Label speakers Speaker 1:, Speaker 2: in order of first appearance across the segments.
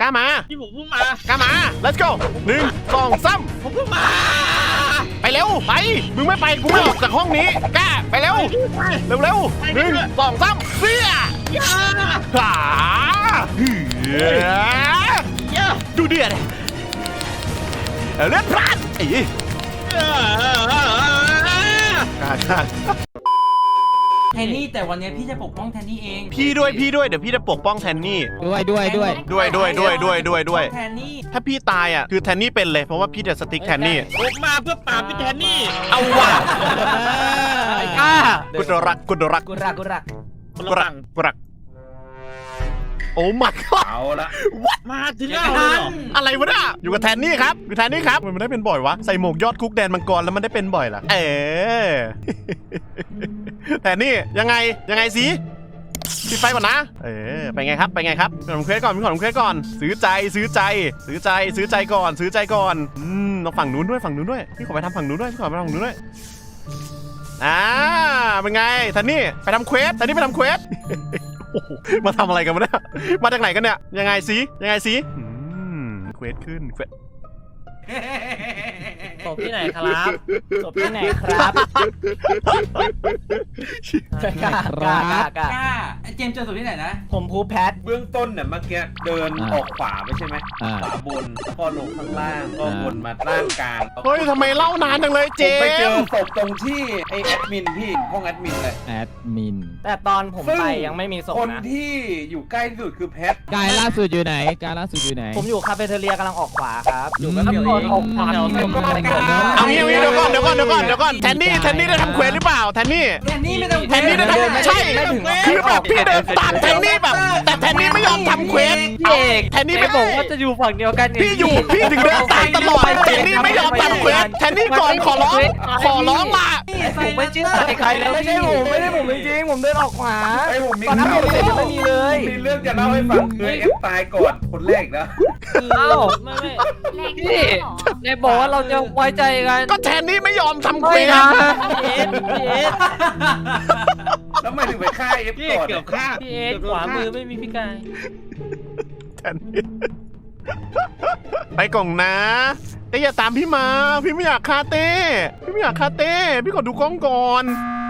Speaker 1: ามา
Speaker 2: พี่ผมเพิ่งมาก
Speaker 1: ล้ามา let's go 1 2 3
Speaker 2: ผมเพิ่งมา
Speaker 1: ไปเร็วไปมึงไม่ไปกูไม่ออกจากห้องนี้กล้าไปเร็วเร็ว1 2 3เสียหาดูเดือดเลือดพลาดไอ้
Speaker 3: แทนนี่แต่วันนี้พี่จะปกป้องแทนนี่เอง
Speaker 1: พี่ด้วยเดี๋ยวพี่จะปกป้องแทนนี่
Speaker 3: ด้วย
Speaker 1: แทนนี่ถ้าพี่ตายอ่ะคือแทนนี่เป็นเลยเพราะว่าพี่จะสติ๊กแทนนี่
Speaker 2: ผมมาเพื่อปราบพี่แทนนี่
Speaker 1: เอาว่ะกุดรักโอ้มัด
Speaker 2: เอาละมาถึง
Speaker 1: อะไรวะเนี่ยอยู่กับแทนนี่ครับอยู่แทนนี่ครับมันได้เป็นบ่อยวะใส่หมวกยอดคุกแดนมังกรแล้วมันได้เป็นบ่อยล่ะแทนนี่ยังไงสิปิดไฟก่อนนะไปไงครับพี่ขอทำเควสก่อนซื้อใจก่อนต้องฝั่งนู้นด้วยพี่ขอไปทำฝั่งนู้นด้วยเป็นไงแทนนี่ไปทำเควสมาทำอะไรกันวะเนี่ยมาจากไหนกันเนี่ยยังไงสิเควสขึ้น
Speaker 3: ศพที่ไหนครับกล้าเจมส์เจอศพที่ไหนนะ
Speaker 4: ผมพูแพท
Speaker 2: เบื้องต้นเนี่ยเมื่อกี้เดินออกขวาไม่ใช่ไหมขวาบนแล้วก็ลงข้างล่างก็วนมาล่างกลาง
Speaker 1: เฮ้ยทำไมเล่านานจังเลยเจม
Speaker 2: ไปเจอศพตรงที่ไอแอดมินพี่ห้องแอดมินเลย
Speaker 4: แต่ตอนผมไปยังไม่มีศพนะ
Speaker 2: คนที่อยู่ใกล้ที่สุดคือแพท
Speaker 5: กายล่าสุดอยู่ไหน
Speaker 4: ผมอยู่คาเฟ่เทเรียกำลังออกขวาครับอยู่กับพี่ออกขวา
Speaker 1: เอางี้เดี๋ยวก่อนแทนนี่ได้ทำเควสหรือเปล่าแทนนี่
Speaker 3: ไม่ต้อง
Speaker 1: แทนนี่ได้ทำใช่คือแบบพี่เดินตามแทนนี่แบบแต่แทนนี่ไม่ยอมทำเควสแทนนี่ไม่บอก
Speaker 4: ว่าจะอยู่ฝั่งเดียวกัน
Speaker 1: พี่ถึงเดินตามตลอดแทนนี่ไม่ยอมทำเควสแทนนี่ก่อนขอร้องมา
Speaker 4: ผมไม่เชื่อใครแล้วไม่ใช่ผมจริงผมเดินออกขวาตอนนั้นผมไม่มีเลย
Speaker 2: มีเรื่องจะเล่าให้ฟังคือเอฟตายก่อนคนแรกนะ
Speaker 4: พี่ในบอกว่าเราจะไว้ใจกัน
Speaker 1: ก็แทนนี่ไม่ยอมทำเควส
Speaker 2: แล้วไม่ถึงไปฆ่าเอฟก่อน
Speaker 4: เกือบฆ่าพี่เอขวามือไม่มีพี่กาย
Speaker 1: แทนนี่ไปกล่องนะแต่อย่าตามพี่มาพี่ไม่อยากฆ่าเต้พี่ขอดูกล้องก่อน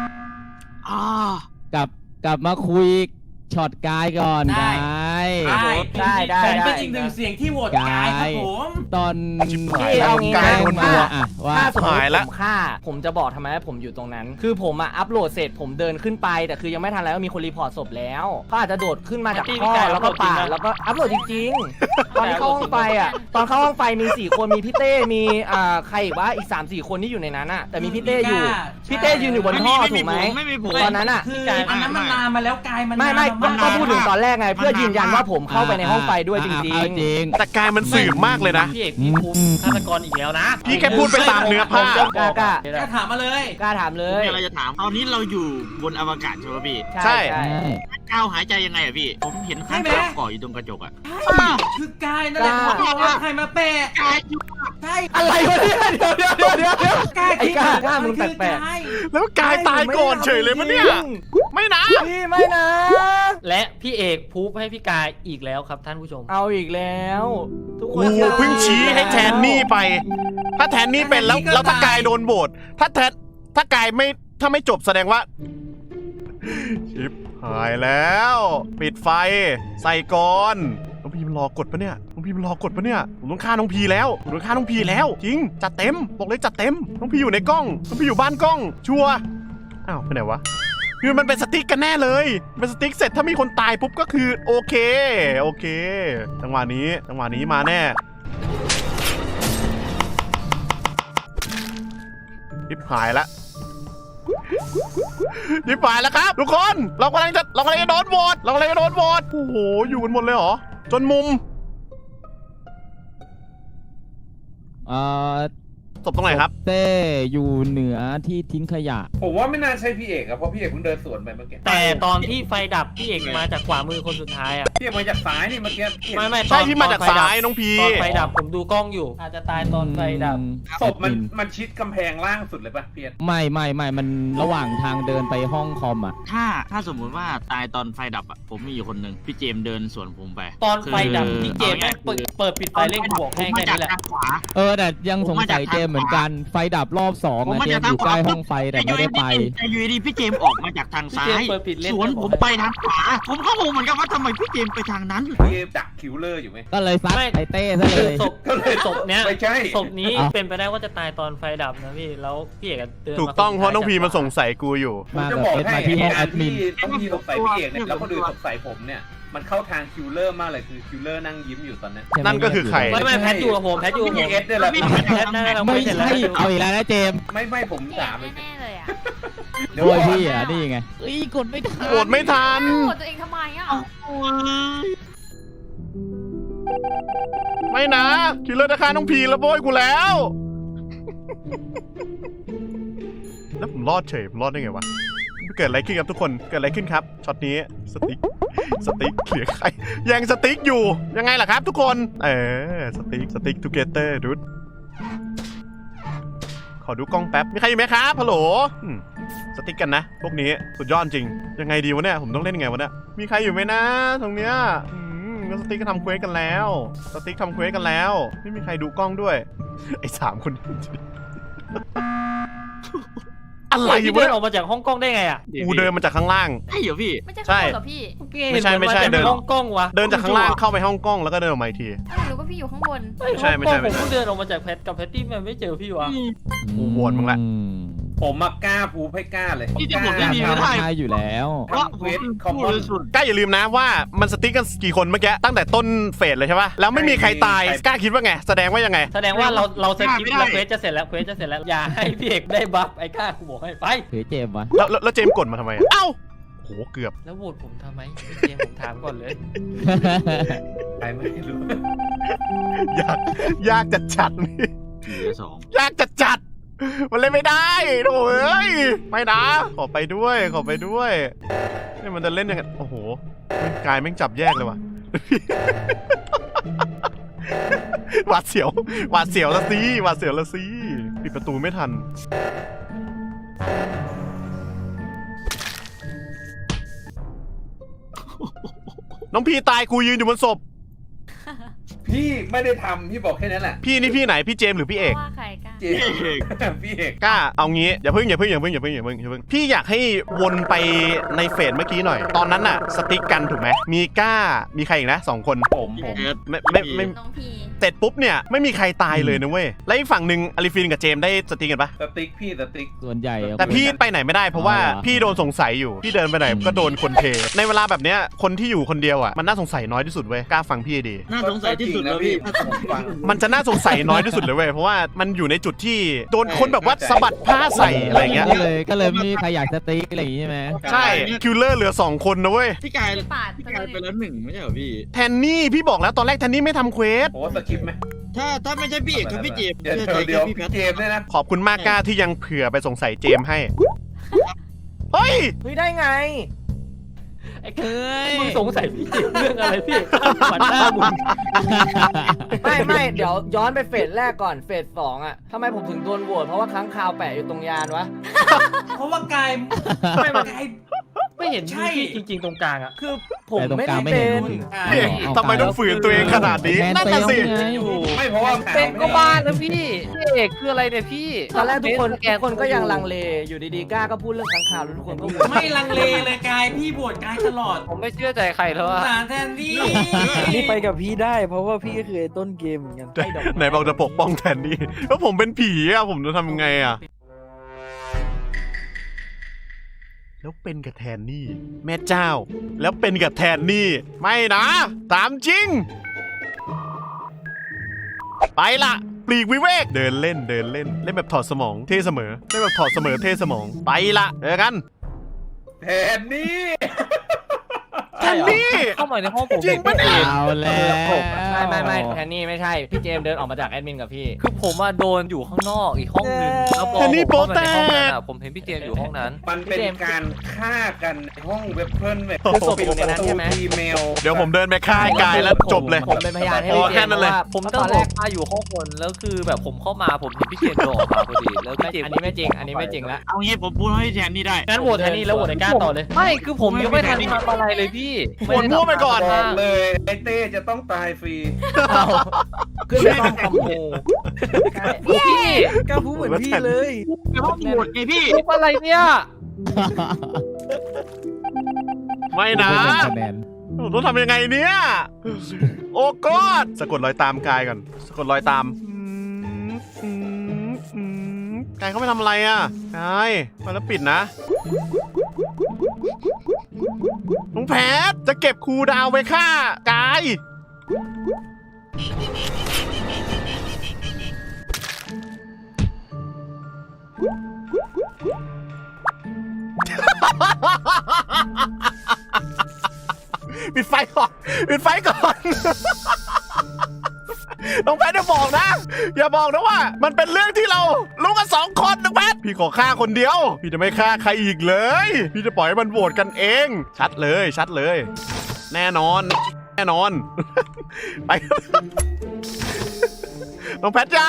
Speaker 5: กลับมาคุยช็อตกายก่อนกาย
Speaker 3: ได้เป็นอีกหนึ่งเสียงที่โหวตกายครับผม
Speaker 5: ตอน
Speaker 4: เอา
Speaker 1: กายคนตัว
Speaker 5: ว่า
Speaker 4: ถ้าสมมติผมฆ่าผมจะบอกทำไมผมอยู่ตรงนั้นคือผมอัพโหลดเสร็จผมเดินขึ้นไปแต่คือยังไม่ทันแล้วมีคนรีพอร์ตศพแล้วเขาอาจจะโดดขึ้นมาจากท่อแล้วก็ป่าแล้วก็อัพโหลดจริงๆตอนเข้าห้องไฟตอนเข้าห้องไฟมี4คนมีพี่เต้มีใครอีกวะอีก 3-4 คนที่อยู่ในนั้นแต่มีพี่เต้อยู่ยืนอยู่บนท่อถูกไหมตอนนั้น
Speaker 3: คืออันนั้นมันลามมาแล้วกายมัน
Speaker 4: ไม่ก็พูดถึงตอนแรกไงเพื่อยืนยันว่าผมเข้าไปในห้องไฟด้วยจริง
Speaker 1: แต่กายมันสืบมากเลยนะ
Speaker 3: พี่เอกพี่คุมฆาตกรอีกแล้วนะ
Speaker 1: พี่แค่พูดไปตามเนื้อผ้
Speaker 4: ากล้า
Speaker 3: ถามมาเลย
Speaker 4: กล้าถามเลย
Speaker 6: อะไรจะถามตอนนี้เราอยู่บนอวกาศใช่ไหมพี่
Speaker 1: ใช่
Speaker 6: ก้าวหายใจยังไงอะพี่ผมเห็นข้างก่ออยู่ตรงกระจกอะ
Speaker 3: คือกายนั่นแหละเขาบอกว่าใครมาแปะ
Speaker 6: กายอยู่
Speaker 3: ใช่
Speaker 4: อะไรวะเนี่ยเดี๋ยว
Speaker 3: กาย
Speaker 4: กล้ามึงแปลก
Speaker 1: แล้วกายตายก่อนเฉยเลยมั้ยเนี่ยไม่นะ
Speaker 4: พี่ไม่นะ
Speaker 3: และพี่เอกพูดให้พี่กายอีกแล้วครับท่านผู้ชม
Speaker 4: เอาอีกแล้ว
Speaker 1: ทุกคนเพิ่งชี้ให้แทนนี่ไปถ้าแทนนี่เป็นแล้วถ้ากายโดนโบดถ้ากายถ้าไม่จบแสดงว่าชิบหายแล้วปิดไฟใส่ก่อนน้องพีมันรอกดปะเนี่ยผมต้องฆ่าน้องพีแล้วจริงจัดเต็มบอกเลยจัดเต็มน้องพีอยู่ในกล้องน้องพีอยู่บ้านกล้องชัวร์อ้าวไปไหนวะคือมันเป็นสติ๊กกันแน่เลยเป็นสติ๊กเสร็จถ้ามีคนตายปุ๊บก็คือโอเคจังหวะนี้มาแน่ยิบหายแล้วครับทุกคนเรากำลังจะโดนโหวตโอ้โหอยู่กันหมดเลยเหรอจนมุมศพตรงไหนครับ
Speaker 5: เต้อยู่เหนือที่ทิ้งขยะ
Speaker 2: ผมว่าไม่น่าใช่พี่เอกครับเพราะพี่เอกเพิ่งเดินสวนไปเมื่อกี้
Speaker 3: แต่ตอนที่ไฟดับพี่เอกมาจากขวามือคนสุดท้าย
Speaker 2: พี่มาจากซ้ายนี่เมื่อกี้
Speaker 3: ไม่
Speaker 1: ใช่พี่มาจากซ้ายน้องพี
Speaker 3: ตอนไฟดับผมดูกล้องอยู่ อาจจะตายตอนไฟดับ
Speaker 2: ศพมันชิดกำแพงล่างสุดเลยป่ะเพียร
Speaker 5: ไม่มันระหว่างทางเดินไปห้องคอมอ่ะ
Speaker 6: ถ้าสมมุติว่าตายตอนไฟดับอ่ะผมมีอยู่คนหนึ่งพี่เจมส์เดินสวนผมไป
Speaker 3: ตอนไฟดับ
Speaker 6: คือ
Speaker 3: พี่เจมส์แม่งเปิดปิดไฟเร่งบวก
Speaker 6: ผม
Speaker 3: ให้
Speaker 6: มา
Speaker 3: แค่
Speaker 6: จาก
Speaker 3: นี้แหละ
Speaker 6: ทางขวา
Speaker 5: แต่ยังสงสัยเจมส์เหมือนกัน ไฟดับรอบ2
Speaker 6: ผม
Speaker 5: อะ
Speaker 6: มา
Speaker 5: เจ
Speaker 6: จาก
Speaker 5: มส์อยู่ใกล้ห้องไฟแต่ไม่ได้ไป
Speaker 6: แต่อยู่ดีพี่เจมส์ออกมาจากทางซ้า
Speaker 3: พี่เจม
Speaker 6: ย
Speaker 3: ส์เปิดปิดเล่น
Speaker 6: สวนผมไปทางขวาผมก็งงเหมือนกันว่าทำไมพี่เจมส์ไปทางนั้น
Speaker 2: พี่ดักคิวเลอร์อยู่ไหม
Speaker 5: ก็เลยซัดไอเต้ซะเลย
Speaker 3: ศพศพเนี้ย
Speaker 2: ไม่ใช่
Speaker 3: ศพนี้
Speaker 5: อ้าว
Speaker 3: เป็นไปได้ว่าจะตายตอนไฟดับนะพี่แล้วพี่เอกเดิน
Speaker 1: ถูกต้องเพราะน้องพีมันสงสัยกูอยู่
Speaker 2: ผม
Speaker 5: มา
Speaker 2: จะ
Speaker 5: แบบ
Speaker 2: บอก
Speaker 5: เป็น
Speaker 2: ให้
Speaker 5: มาที่ห้องแอดมิน
Speaker 2: ต้องมีสงสัยพี่เอกเนี่ยแล้วคนอื่นสงสัยผมเนี่ยมันเข้าทางคิวเลอร์มากเลยคือคิวเลอร์นั่งยิ้มอยู่ตอนนั้น
Speaker 1: นั่นก็คือใคร
Speaker 3: ไม่แพทอยู่กับผมแพทอยู่กับผม
Speaker 2: พี่เอสเนี่ยแหละ
Speaker 3: แพทน่าจะ
Speaker 5: ไม่
Speaker 3: ไม่เสร็จแล้ว
Speaker 5: ใช่เอาอีกแล้วนะเจมส์
Speaker 2: ไม่ผม
Speaker 7: พี่
Speaker 2: ด่า
Speaker 7: เอก
Speaker 2: ไป
Speaker 7: แน่ๆเลยอ่ะ
Speaker 2: เดี๋ยว
Speaker 5: โอ้ย
Speaker 2: ก่อน
Speaker 5: พี่อ่ะนี่ไงกดไม่ทัน
Speaker 1: โกรธไม่ทัน
Speaker 7: โกรธตัวเองทำไมอ่ะ
Speaker 1: ไม่นะคิลเลอร์จะฆ่าน้องพีแล้วโบยกูแล้ว แล้วผมรอดเฉยผมรอดได้ไงวะเกิดอะไรขึ้นครับทุกคนเกิดอะไรขึ้นครับช็อตนี้สติ๊กเหลือใครแย่งสติ๊กอยู่ยังไงล่ะครับทุกคนสติ๊กทูเกเตอร์ดูดขอดูกล้องแป๊บมีใครอยู่ไหมครับฮัลโหลสติ๊กกันนะพวกนี้สุดยอดจริงยังไงดีวะเนี่ยผมต้องเล่นยังไงวะเนี่ยมีใครอยู่ไหมนะตรงเนี้ยก็สติ๊กก็ทำเควสกันแล้วสติ๊กทำเควสกันแล้วไม่มีใครดูกล้องด้วยไอ้3 คนอะไร
Speaker 3: พี่
Speaker 1: วะ
Speaker 3: เดิ
Speaker 1: เนี่
Speaker 3: น
Speaker 1: ย
Speaker 3: ออกมาจากห้องกล้องได้ไงอ่ะ
Speaker 1: กูเดินมาจากข้างล่าง
Speaker 6: ใช่เหรอพี่
Speaker 7: ไม่ใช่
Speaker 1: ใช่
Speaker 7: ขโมยกับพี่
Speaker 1: ไม่ใช่เดิน
Speaker 3: ห้องกล้องวะ
Speaker 1: เดินจากข้างล่างเข้าไปห้องกล้องแล้วก็เดินออกมาอีกที
Speaker 7: อ้าวหรือว่าพี่อยู่ข้างบน
Speaker 1: ไม่ใช่
Speaker 3: ห้องกล้องผมเพิ่งเดินออกมาจากแพทกับแพตตี้มันไม่เจอพี่วะ
Speaker 1: กูโหวตมึงละ
Speaker 2: ผมมากล้าพูดให้กล้าเลย
Speaker 6: พี่จะบอกไม่มีไม่ได้
Speaker 5: ใช่อยู่แล้ว
Speaker 6: เพราะผมเป็นผู้บริสุทธิ์
Speaker 1: กล้าอย่าลืมนะว่ามันสติ๊กกันกี่คนเมื่อกี้ตั้งแต่ต้นเฟสเลยใช่ปะแล้วไม่มีใครตายกล้าคิดว่าไงแสดงว่ายังไง
Speaker 3: แสดงว่าเราสกิปแล้วเควสจะเสร็จแล้วอย่าให้พี่เอกได้บัฟไอ้ก้ากูบอกให้ไป
Speaker 5: เฮ้ยเจมส์วะ
Speaker 1: แล้วเจมส์กดมาทำไมอะเอ้าโหเกือบ
Speaker 3: แล้วโหวตผมทำไมเจมส์ผมถามก่อนเลย
Speaker 2: ใครไม่รู้
Speaker 1: ยากจะจัดนี่
Speaker 6: 4-2
Speaker 1: ยากจะจัดมันเล่นไม่ได้โถ่เอ้ยไม่นะขอไปด้วยนี่มันจะเล่นยังไงโอ้โหกายแม่งจับแยกเลยว่ะ หวาดเสียวละสิปิดประตูไม่ทันน้องพีตายกูยืนอยู่บนศพ
Speaker 2: พี่ไม่ได้ทำพี่บอกแค่นั้นแหละ
Speaker 1: พี่นี่พี่ไหนพี่เจมส์หรือพี่เอก
Speaker 7: ว่าใครกล้า
Speaker 2: เจพี่เอก
Speaker 1: กล้าเอางี้อย่าเพิ่งพี่อยากให้วนไปในเฟสเมื่อกี้หน่อย ตอนนั้นน่ะสติ๊กกันถูกไหมมีกล้ามีใครอีกนะ2 คน
Speaker 2: ผม
Speaker 1: ไม่
Speaker 7: น้องพี
Speaker 1: เสร็จปุ๊บเนี่ยไม่มีใครตายเลยนะเว้ยแล้วอีกฝั่งหนึ่งอลิฟินกับเจมส์ได้สติ๊กกันปะ
Speaker 2: สติ๊กพี่สติ๊ก
Speaker 5: ส่วนใหญ่อะ
Speaker 1: แต่พี่ไปไหนไม่ได้เพราะว่า
Speaker 5: อ๋อเหรอ
Speaker 1: พี่โดนสงสัยอยู่พี่เดินไปไหนก็โดนคนเทในเวลาแบบเนี้ยคนที่อยู่คนเดียวอ่ะมันน่าสงสัยน้อยที่สุดเว้ยกล้าฟังพี่ให้ดี
Speaker 6: น่าสงสัยที่สุดแล้วพี่
Speaker 2: ผมฟัง
Speaker 1: มันจะน่าสงสัยน้อยที่สุดเลยเว้ยเพราะว่ามันอยู่ในจุดที่โดนคนแบบว่าสะบัดผ้าใส่อะไรเงี้ย
Speaker 5: ก็เลยไม่มีใครอยากสติ๊กอะไรอย่างงี้ใช่ไหม
Speaker 1: ใช่คิลเลอร์เหลือ2 คนนะเว้ย
Speaker 6: พี่กาย
Speaker 7: พี่ปาด
Speaker 6: พี่
Speaker 7: ไป
Speaker 6: กาย
Speaker 7: เล
Speaker 6: ไป
Speaker 7: ย
Speaker 6: แล้ว1ไม่ใช่เหรอพี่
Speaker 1: แทนนี่พี่บอกแล้วตอนแรกแทนนี่ไม่ทำเควส
Speaker 2: โอ้สกิปไหม
Speaker 6: ถ้าไม่ใช่พี่เอกกับพี่เจมส์
Speaker 2: เดี๋ยว
Speaker 6: เชื่อใจ
Speaker 2: เดี๋ยว
Speaker 6: พี่แพท
Speaker 2: เจมส์เนี่ยนะ
Speaker 1: ขอบคุณมากกล้าที่ยังเผื่อไปสงสัยเจมส์ให้เฮ้ย
Speaker 4: เฮ้ยได้ไง
Speaker 3: ไอ้มึงสงสัยพี่เจมส์เรื่องอะไรพี่ขวัญหน้ามึง
Speaker 4: ไม่เดี๋ยวย้อนไปเฟสแรกก่อนเฟส2อ่ะทำไมผมถึงโดนโหวตเพราะว่าค้างคาวแปะอยู่ตรงยานวะ
Speaker 3: เพราะว่ากายไม่เห็นพี่จริงๆตรงกลางอ่ะ
Speaker 4: คือผม
Speaker 5: แต่ตรง
Speaker 4: ไม่
Speaker 5: กลา
Speaker 4: ได้
Speaker 5: งไม่
Speaker 4: เป็
Speaker 5: เห็น
Speaker 4: น
Speaker 1: พี่เอกทำไมต้องฝืนตัวเองขนาดนี้นั่นน่ะสิ
Speaker 2: ไม่เพราะว่า
Speaker 3: เป็นก็บ้านนะพี่เอกคืออะไรเนี่ยพี่
Speaker 4: ตอนแรกทุกคนก็ยังลังเลอยู่ดีๆกล้าก็พูดเรื่องค้างคาวแล้วทุกคนก็โหวต
Speaker 8: ไม่ลังเลเลยกายพี่บวชกายตลอด
Speaker 3: ผมไม่เชื่อใจใครแล้วอะ
Speaker 8: สารแทนที่
Speaker 9: นี่ไปกับพี่ได้เพราะว่าพี่ก็คือไอ้ต้นเกมเหมือนกัน
Speaker 1: ไหนบอกจะปกป้องแทนนี่แล้วผมเป็นผีอะผมจะทำยังไงอะแล้วเป็นกับแทนนี่แม่เจ้า แล้วเป็นกับแทนนี่ไม่นะตามจริง ไปละปลีกวิเวกเดินเล่นแบบถอดสมองเท่เสมอเล่นแบบถอดเสมอเท่สมองไปละเจอกัน
Speaker 2: แทนนี่
Speaker 1: แทนนี่
Speaker 3: เข้ามาในห้องผม
Speaker 1: จริงปะเนี่ย
Speaker 5: เอาแล้ว
Speaker 4: ไม่แทนนี่ไม่ใช่พี่เจมส์เดินออกมาจากแอดมินกับพี่
Speaker 3: คือผมอะโดนอยู่ข้างนอกอีกห้องหนึงแล้วพอ
Speaker 1: แทนนี่
Speaker 3: ผมเข้ามาในห้อง
Speaker 1: โป๊ะแตก
Speaker 3: นั้นอะผมเห็นพี่เจมส์อยู่ห้องนั้น
Speaker 2: มันเป็นการฆ่ากันในห้องเว็บเพิ่นเว็บ
Speaker 4: คือศพอยู่ในนั้นใช่ไหม
Speaker 2: อีเมล
Speaker 1: เดี๋ยวผมเดินไปฆ่าไอ้กายแล้วจบเลย
Speaker 4: ผมเป็นพยานให้
Speaker 1: อ๋อ
Speaker 4: พี่เจ
Speaker 1: แค่
Speaker 4: มส์
Speaker 1: นั้นเลย
Speaker 4: ว่า
Speaker 3: ผม
Speaker 4: ต
Speaker 3: ต้อง
Speaker 4: อน
Speaker 3: บ
Speaker 4: แร
Speaker 3: อก กมาอยู่ห้องบนแล้วคือแบบผมเข้ามาผมเห็นพี่เจมส์โดดออกมาพอดีแล้วพี่เจมส์
Speaker 4: อันนี้ไม่จริง อันนี้ไม่จริงแล้ว
Speaker 6: เอางี้ผมพูดให้แทนนี่ได้
Speaker 3: งั้นโหวตแทนนี่แล้วโหวตไอ้ก้าต่อเลยไม่คือผมยังไม่ทันทำอะไรเลยพี่
Speaker 1: โหวตมั่วไปก่อน
Speaker 2: บอกเลยไอ้เต้จะต้องตายฟรี
Speaker 4: ขึ้นไปต้องคอมโบ
Speaker 3: พี่
Speaker 9: กล้าพูดเหมือนพี่เลย
Speaker 6: ไปห้องโหวตไงพี่
Speaker 3: ทุบอะไรเนี่ย
Speaker 1: ไม่นะ
Speaker 5: ไม่เป็นคะแนน
Speaker 1: ผมต้องทำยังไงเนี่ย โอ้กอดสะกดรอยตามกายก่อน สะกดรอยตามกายเขาไม่ทำอะไรอ่ะกายมาแล้วปิดนะน้องแพทจะเก็บครูดาวไว้ฆ่ากาย ปิดไฟก่อน ปิดไฟก่อน น้องแพทอย่าบอกนะ อย่าบอกนะว่า มันเป็นเรื่องที่เรารู้กัน2 คนน้องแพทพี่ขอฆ่าคนเดียว พี่จะไม่ฆ่าใครอีกเลย พี่จะปล่อยให้มันโหวตกันเอง ชัดเลย ชัดเลย แน่นอน แน่นอน ไป น้องแพทจ้า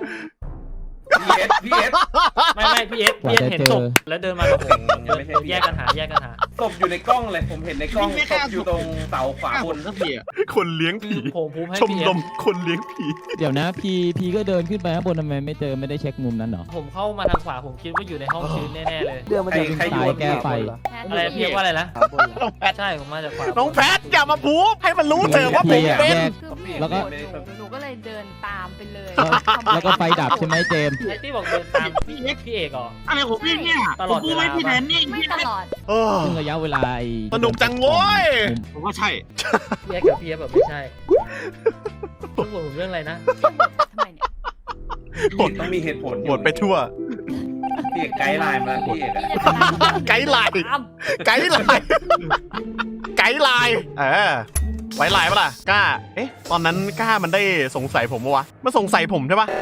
Speaker 2: พี่เอส
Speaker 3: ไม่พี่เอสเห็นศพแล้วเดินมากับผมแยกกันหา
Speaker 2: ศพอยู่ในกล้องเลยผมเห็นในกล้องศพอยู่ตรงเสาขวาบน
Speaker 6: สักทีอะ
Speaker 1: คนเลี้ยงผี
Speaker 3: ผมพูดให้
Speaker 1: ชม
Speaker 3: พี่เอ
Speaker 1: ร
Speaker 3: ส
Speaker 1: มคนเลี้ยงผี
Speaker 5: เดี๋ยวนะพีก็เดินขึ้นไปข้างบนทำไมไม่เจอไม่ได้เช็คมุมนั้นเหรอ
Speaker 3: ผมเข้ามาทางขวาผมคิดว่าอยู่ในห้องชื้นแน่ๆเลย
Speaker 9: เดือนมันจะเป็น
Speaker 2: ใครโยน
Speaker 5: แก้ไฟ
Speaker 3: อะไรพี่เอสว่าอะไรนะ
Speaker 1: น้องแพท
Speaker 3: ใช่ผมมาจากขวา
Speaker 1: น้องแพทอย่ามาพูดให้มันรู้เถอะว่าผมเป็น
Speaker 7: คือพี่
Speaker 5: แล้วก็
Speaker 7: โหวตหนูก็เลยเดินตามไปเลย
Speaker 5: แล้วก็ไฟดับใช่ไหมเจมส์
Speaker 3: ไอ้ที่บอกเดินตามพี่เอกเหรอ
Speaker 6: อะไรของพี่เนี่ย
Speaker 3: ตล
Speaker 6: ผ
Speaker 3: อ
Speaker 6: ม
Speaker 3: ด
Speaker 6: พูด
Speaker 3: เวลา
Speaker 6: ไม่พี่แทนนี่
Speaker 7: ไม่ตลอด
Speaker 1: เออ
Speaker 5: ซึ่งระยะเวลาไอ้
Speaker 1: สนุกจังโว้ย
Speaker 6: ผมว่าใช่
Speaker 3: พี่เอกกับพี่เอสแบบไม่ใช่ต้องบอกผมเรื่องอะไรนะ
Speaker 7: ทำไมเนี่ย
Speaker 2: พี่เอกต้องมีเหตุผล
Speaker 1: หมดไปทั่ว
Speaker 2: พี่เอกไกด์ไลน์มาพี่เอกอะ
Speaker 7: พี่จะตาม
Speaker 1: ไกด์ไลน์ ไกด์ไลน์ ไกด์ไลน์ไว้ไลน์ปะล่ะกล้า เอ๊ะ ตอนนั้นกล้ามันได้สงสัยผมปะวะมันสงสัยผมใช่ปะ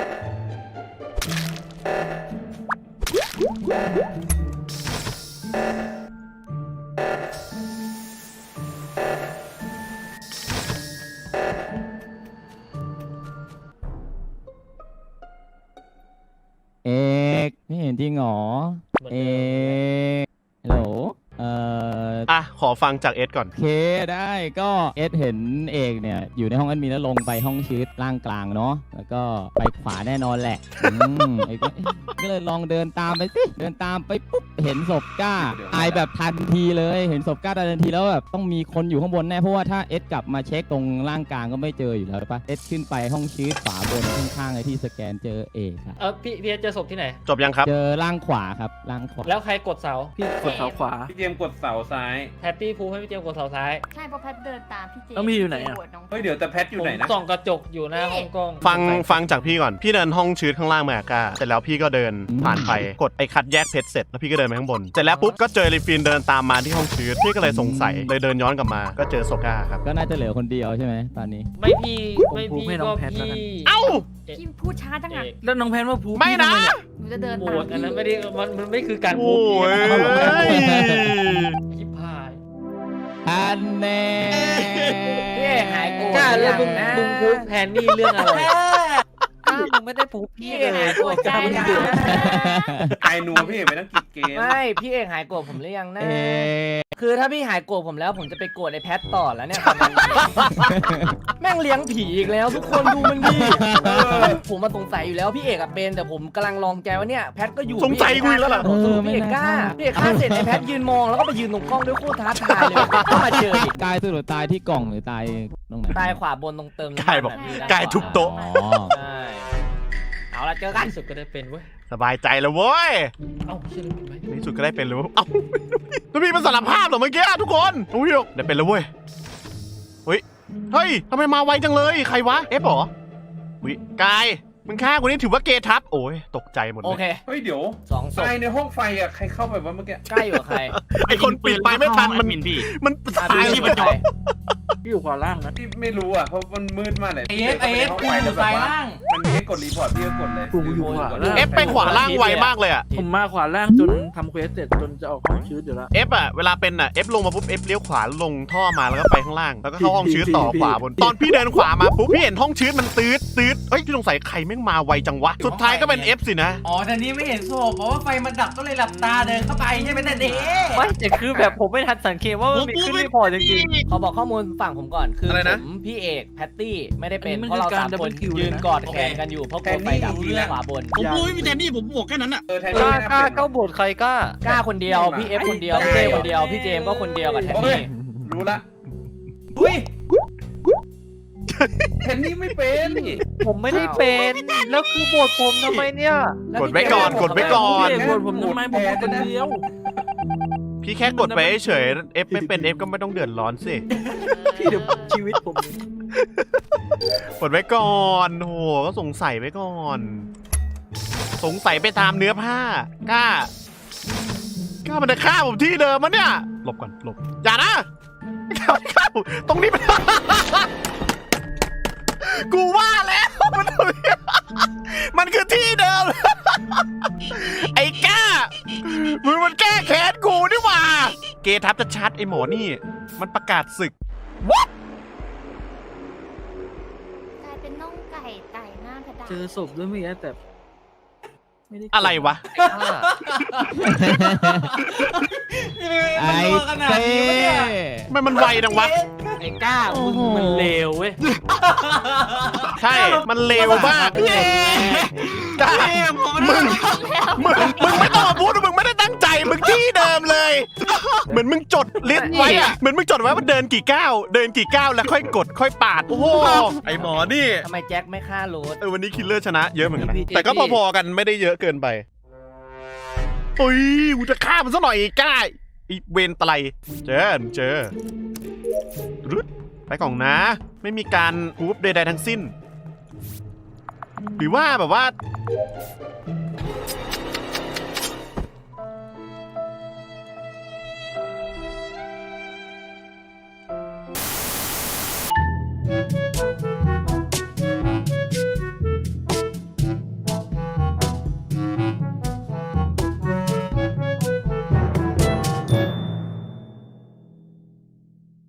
Speaker 5: เอกไม่เห็นจริงเหรอเอกฮัลโหล
Speaker 1: ขอฟังจากเอสก่อน
Speaker 5: โอเคได้ก็เอสเห็นเอกเนี่ยอยู่ในห้องแอดมินแล้วลงไปห้องชีตล่างกลางเนาะแล้วก็ไปขวาแน่นอนแหละเอกก็เลยลองเดินตามไปสิเดินตามไปปุ๊บเห็นศพก้าตายแบบทันทีเลยเห็นศพก้าตายทันทีแล้วแบบต้องมีคนอยู่ข้างบนแน่เพราะว่าถ้าเอสกลับมาเช็คตรงล่างกลางก็ไม่เจออยู่แล้วปะเอสขึ้นไปห้องชีตขวาบนข้างๆไอ้ที่สแกนเจอเอกครับ
Speaker 3: พี่เอสเจอศพที่ไหน
Speaker 1: จบยังครับ
Speaker 5: เจอล่างขวาครับล่างขวา
Speaker 3: แล้วใครกดเสา
Speaker 9: พี่กดเสาขวา
Speaker 2: พี่เจมส์กดเสาซ้าย
Speaker 3: แพตตี้พูให้พี่เจมส์กดเสาซ้าย
Speaker 7: ใช่เพราะแพทเดินตามพี่เจ
Speaker 9: แล้วพี่อยู่ไหนอะ
Speaker 7: โวตน้อง
Speaker 2: เฮ้ยเดี๋ยวแต่แพทอยู่ไหน
Speaker 3: ผม
Speaker 2: นะ
Speaker 3: ส่องกระจกอยู่หน้าห้องกล้อง
Speaker 1: ฟังจากพี่ก่อน พี่เดินห้องชืดข้างล่างมากับก้าเสร็จแล้วพี่ก็เดินผ่านไป กดไอ้คัดแยกเพชรเสร็จแล้วพี่ก็เดินไปข้างบน เสร็จแล้วปุ๊บก็เจอรีฟินเดินตามมาที่ห้องชืดพี่ก็เลยสงสัยเลยเดินย้อนกลับมา ก็เจอศพก้าครับ
Speaker 5: ก็น่าจะเหลือคนเดียวใช่ไหมตอนนี้
Speaker 3: ไม่พี่
Speaker 9: ผมพูดให้น้
Speaker 3: ก็
Speaker 9: องแพทแล้วกัน
Speaker 3: พี่
Speaker 1: เอ้า
Speaker 7: พี่พูดช้าจัง
Speaker 3: เอ
Speaker 7: อะ
Speaker 3: ก
Speaker 9: แล้วน้องแพนว่าพู
Speaker 1: ไม่นะ
Speaker 7: หนูจะเดิน
Speaker 3: โหว
Speaker 7: ตาม
Speaker 3: ตอันนั้น
Speaker 7: พี่
Speaker 3: ไม่ได้มันไม่คือการ
Speaker 1: โอ้
Speaker 3: พูด
Speaker 1: ย
Speaker 3: ชิบหาย
Speaker 5: อันแน่
Speaker 4: พี่เอกหายโกรธ
Speaker 3: กล้าแล้วมึง
Speaker 4: นะ
Speaker 3: พูดแทนนี่เรื่องอะไร
Speaker 9: อ้าวมึงไม่ได้พูพี่
Speaker 4: พี่
Speaker 9: เล
Speaker 4: เอกหาย
Speaker 9: ย
Speaker 4: โกรธกันนะ
Speaker 2: ไกด์นัวพี่เอกไปนั่งกินเกม
Speaker 4: ไม่พี่เอกหายโกรธผมหรือยังนะ
Speaker 5: เอ๊ะ
Speaker 4: คือถ้าพี่หายโกรธผมแล้วผมจะไปโกรธไอ้แพทต่อแล้วเนี่ยตอนนั้นแม่งเลี้ยงผีอีกแล้วทุกคนดูมันดิผมมาสงสัยอยู่แล้วพี่เอกอะเป็นแต่ผมกำลังลองใจว่าเนี่ยแพทก็อยู่
Speaker 1: สงสัยกูอีกแล้วเหรอ
Speaker 4: พี่เอกกล้าพี่เอกฆ่าเสร็จไอ้แพทยืนมองแล้วก็ไปยืนตรงกล้องด้วยโคตรท้าทายเลยก็มาเจออีก
Speaker 5: กายสรุปตายที่กล่องหรือตายตรงไหน
Speaker 4: ตายขวาบนตรงเติมน้ำมัน
Speaker 1: กายบอก
Speaker 4: ะ
Speaker 1: กายทุบโต๊ะ
Speaker 5: อ๋อ
Speaker 4: ใช่เอาละเจอกัน
Speaker 3: ที่สุดก็ได้เป็นเว้ย
Speaker 1: สบายใจแล้วเว้ย
Speaker 3: เอ้าเชื่อได้เป็นไหม
Speaker 1: ในที่สุดก็ได้เป็นแล้วเอ้าแล้วพี่มันสารภาพเหรอเมื่อกี้ทุกคนน้องพี่บอกได้เป็นแล้วเว้ยเฮ้ยทำไมมาไวจังเลยใครวะเอฟเหรอวิกายมึงฆ่ากูนี่ถือว่าเกทับโอ้ยตกใจหมด
Speaker 4: โอ
Speaker 1: เลย
Speaker 4: เค
Speaker 2: เฮ้ยเดี๋ยว
Speaker 4: 2 ศพ
Speaker 2: ตายในห้องไฟอ่ะใครเข้าไปวะเมื่อกี้
Speaker 4: ใกล้อยู่กับใคร
Speaker 1: ไอคนปิดไปไม่ทันมัน
Speaker 6: มินพี่
Speaker 1: มัน
Speaker 4: อ่ะ
Speaker 1: ตาย
Speaker 4: พี่
Speaker 1: ไป
Speaker 4: เป็นใคร
Speaker 9: พี่อยู่ขวาล่างนะ
Speaker 2: พี่ไม่รู้อ่ะเพราะมันมืดมากเลย
Speaker 8: ไอเอฟกูอยู่ซ้ายล่าง
Speaker 2: มันมีให้กดรีพอร์ตพี่ก็กดเลย
Speaker 9: กูอยู่ขวาล่าง
Speaker 1: เอฟไปขวาล่างไวมากเลยอะ
Speaker 9: ผมมาขวาล่างจนทำเควสเสร็จจนจะออกห้องชืดอยู่แล้ว
Speaker 1: เอฟอะเวลาเป็นอะเอฟลงมาปุ๊บเอฟเลี้ยวขวาลงท่อมาแล้วก็ไปข้างล่างแล้วก็เข้าห้องชื้นต่อขวาบนตอนพี่เดินขวามาปุ๊บพี่เห็นห้องชื้นมันตืดเฮ้ยพี่สงสัยใครแม่งมาไวจังวะสุดท้ายก็เป็นเอฟสินะ
Speaker 8: อ๋อแต่นี้ไม่เห็นศพเพราะว่าไฟมันดับก็เลยหลับตาเดินเข้าไปใช่ไหมแต่เด็ก
Speaker 3: ไม่แต่คือแบบผมไม่ทันสังเกตว่ามันมีขึ้นรีพอร์ตจริง
Speaker 4: ขอบอกข้อมูลฝั่งผมก่อนคือ
Speaker 1: อะไรนะ
Speaker 4: ผมพี่เอกแพตตี้ไม่ได้เป็น
Speaker 9: อันนี้มัน
Speaker 4: เพราะเรา
Speaker 9: คือการ
Speaker 4: 3 คน
Speaker 9: double kill
Speaker 4: ยืน
Speaker 9: เลยนะ
Speaker 4: กอดแขนกันอยู่เพราะกลัวไฟดับขวาบน
Speaker 6: ผมรู้ไม่มีแทนนี่ผมบวกแค่นั้นอ่ะ
Speaker 2: แทน
Speaker 3: ๆ
Speaker 2: ที่
Speaker 3: กล้า
Speaker 2: ไม่
Speaker 3: กล้า
Speaker 2: น่เป็น
Speaker 3: ก็โบดใครกล้า
Speaker 4: กล้าคนเดียวพี่เอฟคนเดียวพี่เจคนเดียวพี่เจมส์ก็คนเดียวกับแทน
Speaker 2: โอ้ย
Speaker 4: นี่
Speaker 2: รู้ละ
Speaker 8: อุ้ย
Speaker 2: แทนนี่ไม่เป็น
Speaker 3: ผมไม่ได้เป็นแล้วคือโบดผมทำไมเนี่ย
Speaker 1: กดไว้ก่อนกดไว้ก่อน
Speaker 9: พี่เอกโหวตผมทำไมผมเป็นคนเดียว
Speaker 1: พี่แค่กดไปเฉยเอฟไม่เป็นเอฟก็ไม่ต้องเดือดร้อนสิ
Speaker 9: พี่เดี๋ยวชีวิตผม
Speaker 1: กดไว้ก่อนโหก็สงสัยไว้ก่อน สงสัยไปตามเนื้อผ้ากล้ามันจะฆ่าผมที่เดิมมันเนี่ยหลบก่อนหลบอย่านะฆ่าผมตรงนี้มัน กูว่าแล้วมันตรงนี้มันคือที่เดิม ไอ้ก้ามึงมันแก้แค้นกูนี่หว่าเกทับจะชัดไอ้หมอนี่มันประกาศศึก
Speaker 7: กลายเป็นน่องไก่ไต่หน้ากระดาษ
Speaker 9: เจอศพด้วยเมื่อกี้แต่ไม่ได้
Speaker 1: อะไรวะ
Speaker 5: ไอ้เต้
Speaker 1: ไม่มันไวจังวะ
Speaker 4: ไอ้กล้ามึงมันเลวเว้ย
Speaker 1: ใช่ มันเลวมากกล้ามึงไม่ต้องมาพูดว่ามึงไม่ได้ตั้งใจ มึงที่เดิมเลย เหมือนมึงจดลิสต์ไว้อะเหมือนมึงจดไว้ว่าเดินกี่ก้าว แล้วค่อยกดค่อยปาด โอ้โห ไอหมอนี่
Speaker 4: ทำไมแจ็คไม่ฆ่าโรส
Speaker 1: วันนี้คิลเลอร์ชนะเยอะเหมือนกันนะ
Speaker 4: พี่
Speaker 1: แต่ก็พอๆกันไม่ได้เยอะเกินไปโอ้ยกูจะฆ่ามันซะหน่อยไอ้กล้าไอีเวนตะไลเจอรึดไปกล่องนะ ไม่มีการพูฟใดๆทั้งสิ้น หรือว่าแบบว่า